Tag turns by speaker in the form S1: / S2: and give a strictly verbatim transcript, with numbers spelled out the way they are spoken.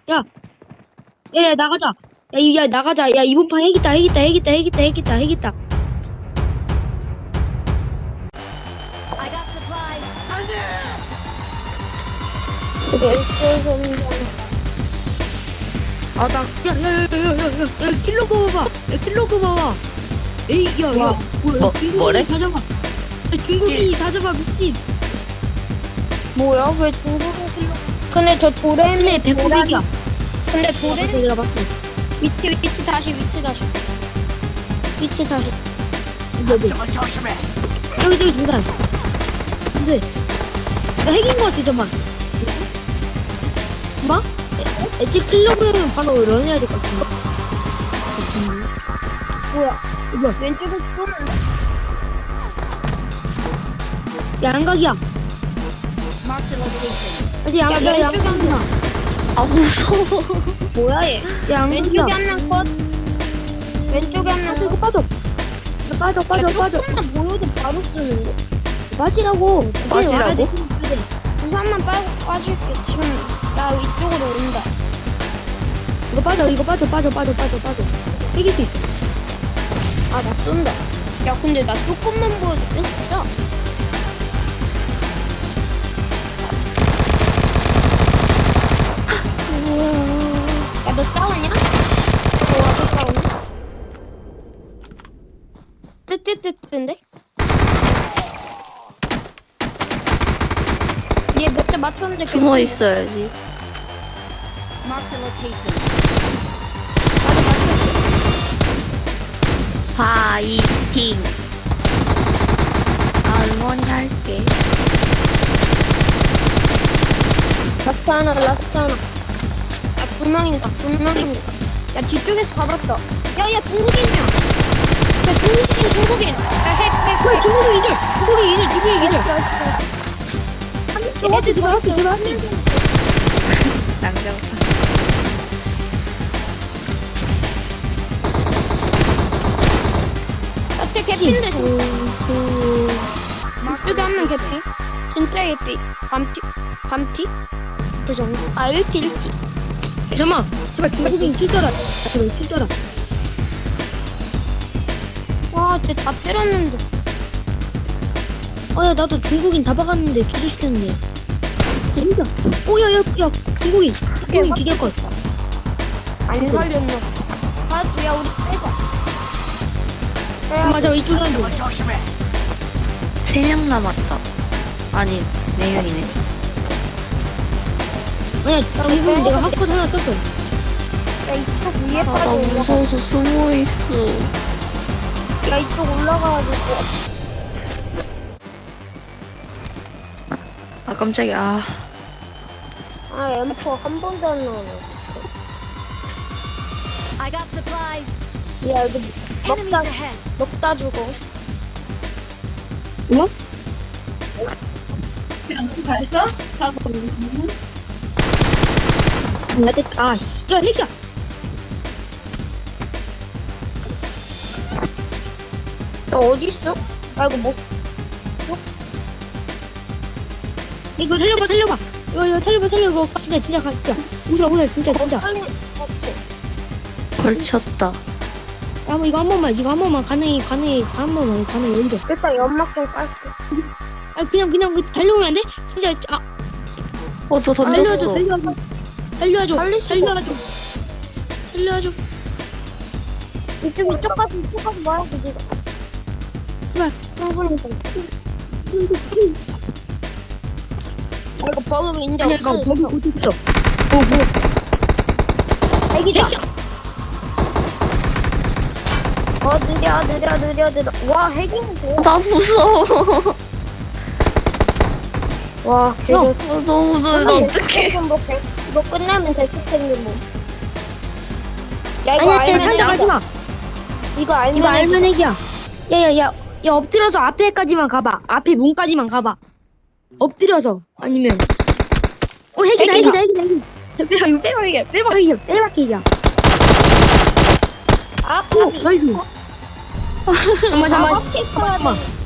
S1: 야, 야, 야, 나가자. 야, 이- 야, 나가자. 야, 이번 판 핵있다, 핵있다, 핵있다, 핵있다, 핵있다, 핵있다.
S2: I got supplies.
S1: 아, 나, 야, 야, 야, 야, 야, 야, 야, 야, 킬로그 봐봐. 야, 킬로그 봐봐. 에이, 야, 야,
S3: 와,
S1: 뭐야,
S3: 뭐,
S1: 중국인이
S3: 뭐래?
S1: 다 잡아. 야, 중국인이 다 잡아, 미친.
S4: 뭐야? 왜 중국인 킬로? 근데 저 도레미
S1: 근데 백구백이야.
S4: 근데
S1: 봤어,
S4: 도레미
S1: 내가 봤어.
S4: 위치 위치 다시 위치 다시 위치 다시.
S1: 여기, 여기, 저기 두 사람. 근데, 나 핵인 거 같아, 잠만. 뭐? 애초에 킬로그면 바로 런해야 될 것 같은데.
S4: 뭐야?
S1: 뭐야?
S4: 왼쪽에 쏘는데?
S1: 야, 양각이야.
S2: Mark the location.
S1: 아직 양,
S4: 야,
S1: 야,
S4: 왼쪽에 한
S1: 양각이야.
S3: 아 무서워.
S4: 뭐야 얘?
S1: 야, 양각이야.
S4: 왼쪽에 한 명 컷. 왼쪽에 한 명
S1: 빠져,
S4: 컷.
S1: 이거 빠져. 야, 빠져, 빠져, 빠져.
S4: 조금만 보여도 바로 쓰는데.
S1: 빠지라고.
S3: 빠지라고?
S4: 부산만 빠 빠질게. 지금 나 이쪽으로 온다.
S1: 이거 빠져, 이거 빠져, 빠져, 빠져, 빠져, 빠져. 이길 수 있어.
S4: 아 나 쏜다. 야 근데 나 조금만 보여도 뺄 수 있어. 야 너 싸우냐? 너 와서 싸우냐? 뜨뜨뜨뜨인데? 얘 몇 대 맞췄는데
S3: 숨어 있어야지.
S2: Mark the location.
S4: 나도 맞췄어.
S3: 파이팅. 아 응원할게.
S4: 라스트 하나 라스트 하나. 야두 명인가 두 명인가. 야 뒤쪽에서 잡았다. 야야 중국인이야. 야 중국인 중국인. 야핵핵
S1: 뭐야, 중국인 이절! 중국인 이절, 중국인 이절!
S4: 애들
S1: 제발, 할게, 제발, 할게.
S3: 낭장.
S4: 어째 개피인데 이쪽에 한 명 개피. 진짜 개피. 반피 반피? 그 정도. 아 일 피 일 피.
S1: 야, 잠깐만. 제발 중국인 튀더라. 제발 튀더라.
S4: 와, 쟤 다 때렸는데.
S1: 아, 야, 나도 중국인 다 박았는데 기절시켰는데. 재밌다. 오, 야, 야, 야, 중국인. 중국인 기절 것.
S4: 안 살렸나? 아, 야 우리 빼자.
S1: 아, 맞아, 이쪽에 한 명.
S3: 세 명 남았다. 아니 네 명이네.
S1: 아니야, 중국인 내가 하컷 하나 떴어.
S4: 야 이쪽 위에
S3: 아, 나
S4: 빠져 올라가.
S3: 무서워서 숨어 있어.
S4: 야 이쪽 올라가가지고.
S3: 아 깜짝이야. 아,
S4: 아 엠포 한 번도 안 나오네.
S2: I got supplies.
S4: 야 여기
S2: Enemies
S4: 먹다
S2: ahead.
S4: 먹다 죽어.
S1: 뭐? 야, 내, 아, 씨. 야, 핵이야.
S4: 너 어디 있어? 아 이거 뭐?
S1: 이거 살려봐, 살려봐. 이거, 이거 살려봐, 살려. 이거 진짜, 진짜, 진짜. 웃어, 웃어, 진짜, 진짜. 야,
S4: 빨리 없지.
S3: 걸쳤다.
S1: 한번 이거 한 번만, 이거 한 번만 가능해, 가능해, 한 번만, 가능해, 여기서.
S4: 일단 연막 좀 깔게.
S1: 아, 그냥, 그냥, 그 달려오면 안 돼? 진짜, 아,
S3: 어 저
S1: 살려줘,
S3: 던졌어.
S1: 살려줘. 살려줘,
S4: 살릴 수가
S1: 살려줘. 살려줘.
S4: 이쪽 이쪽까지 이쪽까지 와야 돼 지금.
S1: 제발.
S4: 충분히 돼. 아 이거 버그 인정
S1: 아니야, 이거
S4: 없어.
S1: 거기 못 있어. 뭐, 뭐.
S4: 애기다.
S1: 핵이야.
S4: 어 느려 느려 느려 느려. 와 핵이면 돼.
S3: 나 무서워.
S4: 와
S3: 어,
S4: 그래.
S3: 너무 무서워. 나 어떡해.
S4: 뭐 백- 이거 끝나면 데스 텐데 뭐. 야 이거
S1: 아니야, 쟤
S4: 알면
S1: 산적 가지
S4: 핵이야.
S1: 마.
S4: 이거 알면
S1: 이거
S4: 핵이야.
S1: 알면 핵이야. 야, 야, 야. 야, 엎드려서 앞에까지만 가봐. 앞에 문까지만 가봐. 엎드려서. 아니면. 어, 핵이다,
S4: 핵이다.
S1: 핵이다, 핵이다, 핵이다. 빼박, 이거 빼박이야. 빼박이야. 빼박이야.
S4: 아
S1: 오, 나이스. 잠깐만, 잠깐만.
S4: 아,
S1: 잠깐만.